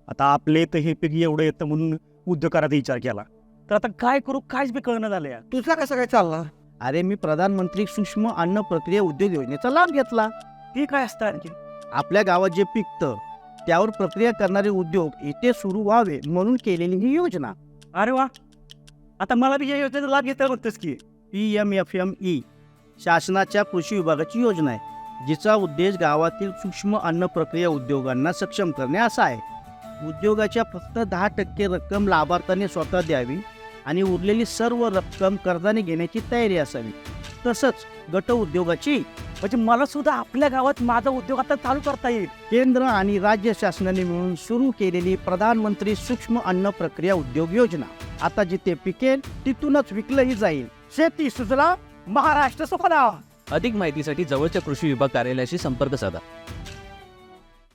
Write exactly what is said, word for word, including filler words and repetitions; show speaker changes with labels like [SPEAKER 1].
[SPEAKER 1] आता आपले तर हे पीक एवढं येतं म्हणून उद्योग करायचा विचार केला, तर आता काय करू काहीच बी कळणं झालं यार.
[SPEAKER 2] तुझा कसं काय चालला? अरे मी प्रधानमंत्री सूक्ष्म अन्न प्रक्रिया उद्योग योजनेचा लाभ घेतला.
[SPEAKER 1] ते काय असतं आणखी?
[SPEAKER 2] आपल्या गावात जे पिकतं त्यावर प्रक्रिया करणारे उद्योग इथे सुरू व्हावे म्हणून केलेली ही योजना.
[SPEAKER 1] अरे वा, आता मला बी या योजनेचा लाभ घेता म्हणतोस की.
[SPEAKER 2] P M F M E शासनाच्या कृषी विभागाची योजना आहे, जिचा उद्देश गावातील सूक्ष्म अन्न प्रक्रिया उद्योगांना सक्षम करणे असा आहे. उद्योगाच्या फक्त दहा टक्के रक्कम लाभार्थ्याने स्वतः द्यावी आणि उरलेली सर्व रक्कम कर्जाने घेण्याची तयारी असावी. तसंच गट उद्योगाची
[SPEAKER 1] म्हणजे मला सुद्धा आपल्या गावात माझा उद्योग आता चालू करता येईल.
[SPEAKER 2] केंद्र आणि राज्य शासनाने मिळून सुरू केलेली प्रधानमंत्री सूक्ष्म अन्न प्रक्रिया उद्योग योजना आता जिथे पिकेल तिथूनच विकलंही जाईल.
[SPEAKER 1] शेती सुजला, महाराष्ट्र सुफला.
[SPEAKER 3] अधिक माहितीसाठी जवळच्या कृषी विभाग कार्यालयाशी संपर्क साधा.